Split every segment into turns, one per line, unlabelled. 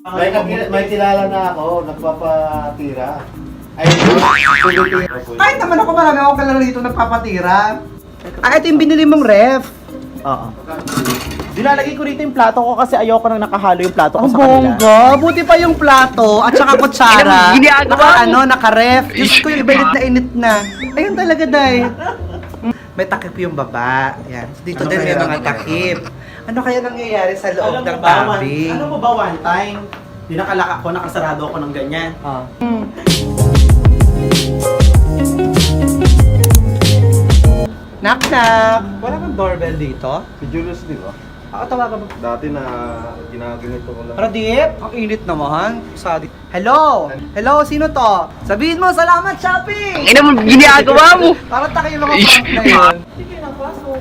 May kilala na ako, nagpapatira. Ay,
Kahit naman ako marami akong kalaro dito nagpapatira. Ito yung binili mong ref.
Oo. Dinalagay ko rito yung plato ko kasi ayoko nang nakahalo yung plato ko
Ang
sa kanila.
bongga. Buti pa yung plato at saka kutsara. Naka-ref. Diyos ko yung iba init na init na. Ayun talaga, Day. May takip yung baba. Yan. Dito
Ano
din may
kaya
mga
nangyayari?
takip. Ano kaya nangyayari sa loob ng
ba,
tabi?
Ano mo ba one time? Dinakalak ako, nakasarado ako ng ganyan.
Knock knock. Wala kang doorbell dito?
si Julius, di ba?
Ako tawagan mo.
Dati na ginaganito ko lang.
Radip, ang init naman. Sorry. Hello? Hello, sino to? Sabihin mo, salamat shopping!
Ina mo, ginagawa mo.
Parang taka yung mga prank na yun.
Sige na, pasok.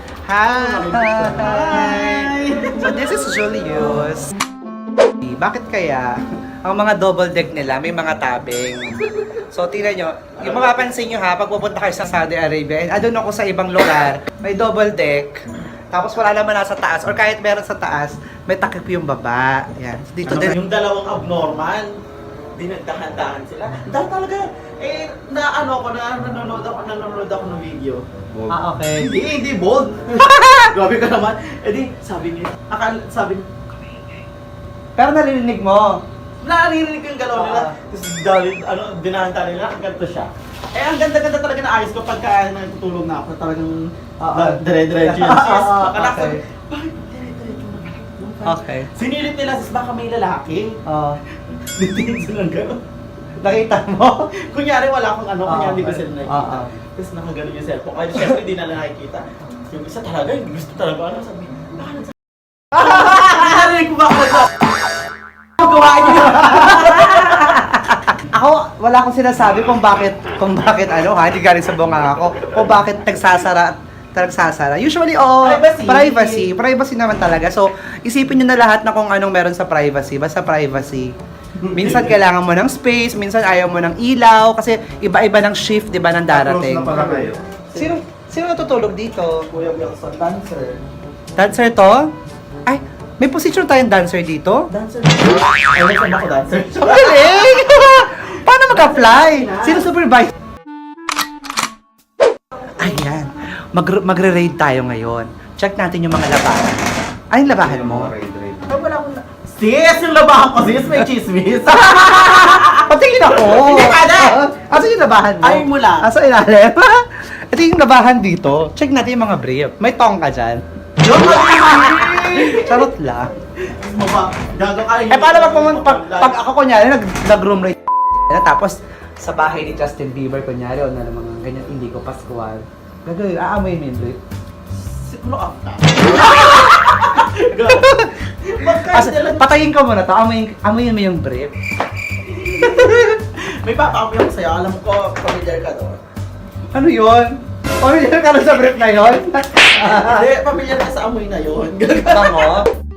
Hi! So this is Julius. Bakit kaya ang mga double deck nila may mga tabing? So tingnan nyo, yung mapapansin nyo ha, pag pupunta kayo sa Saudi Arabia, and doon ako sa ibang lugar, may double deck, tapos wala naman nasa taas, or kahit meron sa taas, may takip yung baba. Yan. Dito din.
Yung dalawang abnormal, dinagdahan-dahan sila. Dahil talaga, nanonood ako ng video.
Okay.
Hindi bold. Grabe ka naman. Sabi niya, sabi niya,
Pero narinig mo.
naririnig ko yung galaw nila. Tapos dahil, dinahanta nila, ganito siya. Ang ganda-ganda talaga na ayos ko pagka natutulog na ako. Talagang dire-diretso yung sis. Akala ko,
Okay.
bakit dire-diretso na?
Okay.
Sinilip nila, sis, baka may lalaki. Ditingin silang gano'n.
Nakita mo?
Kunyari wala akong kunyari hindi ko
okay.
sila nakikita.
Oo.
Tapos nakaganon yung cellphone. Kaya syempre di na nakikita. Yung isa talaga, yung gusto talaga, sabi, baka nagsasabi. Narinig ko ba ako sa... Gawain niyo.
Ako, wala akong sinasabi kung bakit hindi galing sa bunga ako, kung bakit nagsasara. Usually, privacy naman talaga. So, isipin nyo na lahat na kung anong meron sa privacy, basta privacy. Minsan kailangan mo ng space, minsan ayaw mo ng ilaw, kasi iba-iba ng shift, di ba, ng darating.
Close na pala kayo.
Sino natutulog dito?
Kuya Wilson, dancer.
Dancer to? Ay, may position tayong dancer dito?
Dancer. Ay, nagsan ako dancer.
Galing! Paano mag-apply? Sino supervise? Ayan. Magre-raid tayo ngayon. Check natin yung mga labahan. Ano yung labahan mo?
Raid.
Ay, wala akong... Sis, yung labahan ko, sis, may chismis.
Patingin ako!
Hindi ka na!
Asa yung labahan mo?
Ay, mula.
Asa ilalim? Ito yung labahan dito. Check natin yung mga brief. May tong ka dyan. Charot lang. Paano pag ako kunyari nag-room rate tapos sa bahay ni Justin Bieber kunyari o na mga ganyan hindi ko Pascual. Gagawin, aamoy mo yung brief.
Siguro after.
Patayin ko muna to, amoyin mo yung brief.
May papaamoy ako sa'yo, alam ko, familiar ka doon.
Ano yun? Pamilyar ka na sa brief na yun?
Hindi, familiar ka sa amoy na yun.
Bango?